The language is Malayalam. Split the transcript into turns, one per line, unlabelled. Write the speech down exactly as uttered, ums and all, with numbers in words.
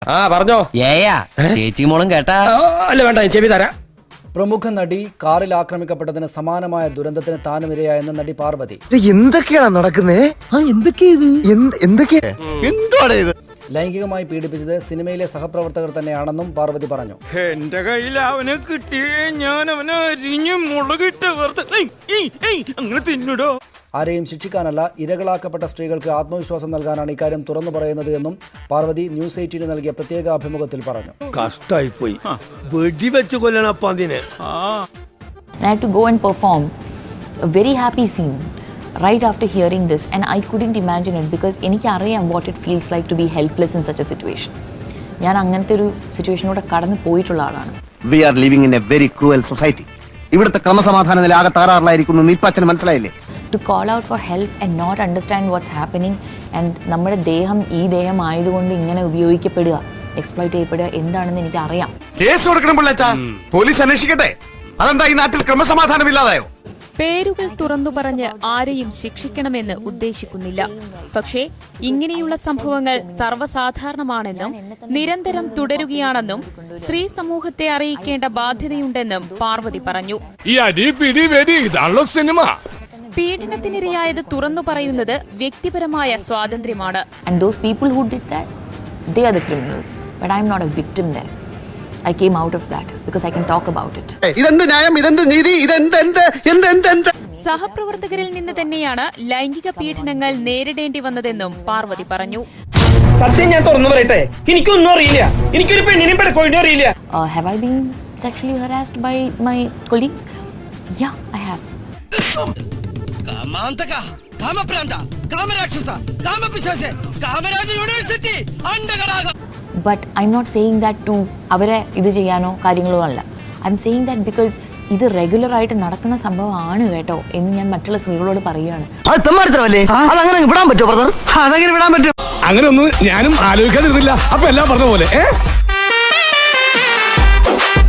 ആ പറഞ്ഞോ.
ഏയാ ചേച്ചി മോളും കേട്ടാ?
അല്ല വേണ്ട, ഞാൻ ചെവി തരാം.
പ്രമുഖ നടി കാറിൽ ആക്രമിക്കപ്പെട്ടതിന് സമാനമായ ദുരന്തത്തിന് താനും ഇരയായെന്ന് നടി പാർവതി.
എന്തൊക്കെയാണ് നടക്കുന്നേ? എന്തൊക്കെയാണ്
ലൈംഗികമായി പീഡിപ്പിച്ചത് സിനിമയിലെ സഹപ്രവർത്തകർ തന്നെയാണെന്നും പാർവതി പറഞ്ഞു.
എന്റെ കയ്യിൽ അവനെ കിട്ടിയേ ഞാൻ അവനെ അരിഞ്ഞ് മുളകിട്ട് അങ്ങനെ തിന്നിടോ.
ആരെയും ശിക്ഷിക്കാനല്ല, ഇരകളാക്കപ്പെട്ട സ്ത്രീകൾക്ക് ആത്മവിശ്വാസം നൽകാനാണ് ഇക്കാര്യം തുറന്നു പറയുന്നത് എന്നും പാർവതി ന്യൂസ് എയ്റ്റീന് നൽകിയ പ്രത്യേക അഭിമുഖത്തിൽ പറഞ്ഞു.
കഷ്ടായി പോയി, വെടിവെച്ച് കൊല്ലണം അതിനെ.
I had to go and perform a very happy scene right after hearing this, and I couldn't imagine it because എനിക്ക് അറിയാം what it feels like to be helpless in such a situation. ഞാൻ അങ്ങനത്തെ ഒരു സിറ്റുവേഷനിലൂടെ കടന്നു പോയിട്ടുള്ള ആളാണ്.
We are living in a very cruel society. ഇവിടുത്തെ ക്രമസമാധാന നില ആകെ തകരാറിലായിരിക്കുന്നു. നിൽപ്പച്ചന് മനസ്സിലായില്ലേ?
To call out for help and not understand what's happening, and നമ്മുടെ ദേഹം ഈ ദേഹം ആയതുകൊണ്ട് ഇങ്ങനെ ഉപയോഗിക്കപ്പെടുക, എക്സ്പ്ലോയിറ്റ് ചെയ്യപ്പെടുക എന്താണെന്ന് എനിക്ക് അറിയാം.
കേസ് കൊടുക്കണം പിള്ളേച്ചാ, പോലീസ് അന്വേഷിക്കട്ടെ. അതെന്താ ഈ നാട്ടിൽ ക്രമസമാധാനമില്ലാതായോ?
പേരുകൾ തുറന്നു പറഞ്ഞ് ആരെയും ശിക്ഷിക്കണമെന്ന് ഉദ്ദേശിക്കുന്നില്ല. പക്ഷേ ഇങ്ങനെയുള്ള സംഭവങ്ങൾ സർവ്വസാധാരണമാണെന്നും നിരന്തരം തുടരുകയാണെന്നും സ്ത്രീ സമൂഹത്തെ അറിയിക്കേണ്ട ബാധ്യതയുണ്ടെന്നും പാർവതി പറഞ്ഞു. പീഡനത്തിനിരയായത് തുറന്നു പറയുന്നത് വ്യക്തിപരമായ സ്വാതന്ത്ര്യമാണ്.
And those people who did that, they are the criminals. But I am not a victim there. I came out of that because I can talk about it.
ഇതെന്ത് ന്യായം, ഇതെന്ത് നീതി, ഇതെന്ത് എന്ത് എന്ത് എന്ത് എന്ത്
സഹപ്രവർത്തകരിൽ നിന്ന് തന്നെയാണ് ലൈംഗിക പീഡനങ്ങൾ നേരിടേണ്ടി വന്നതെന്നും പാർവതി പറഞ്ഞു.
സത്യം ഞാൻ തുറന്നു പറയട്ടെ, എനിക്കൊന്നും അറിയില്ല. എനിക്കൊരു പെണ്ണിനെയും പെടക്കോഴിനെയും അറിയില്ല.
Uh, have I been sexually harassed by my colleagues? Yeah, I have.
കാമാന്തക, കാമപ്രാന്ത, കാമരാക്ഷസ, കാമപിശാച, കാമരാജ യൂണിവേഴ്സിറ്റി അണ്ടകടാക.
But I'm not saying that to അവരെ ഇത് ചെയ്യാനോ കാര്യങ്ങളോ അല്ല. I'm saying that because ഇത് റെഗുലർ ആയിട്ട് നടക്കുന്ന സംഭവമാണ് കേട്ടോ എന്ന് ഞാൻ മറ്റുള്ള സ്ത്രീകളോട് പറയുകയാണ്.
അത് തെമ്മാടിത്തരമല്ലേ? അതങ്ങനെ വിടാൻ പറ്റുമോ ബ്രദർ? അതങ്ങനെ വിടാൻ പറ്റും?
അങ്ങനെ ഒന്നും ഞാനും ആലോചിക്കാതിരുന്നില്ല. അപ്പൊ എല്ലാം പറഞ്ഞ പോലെ.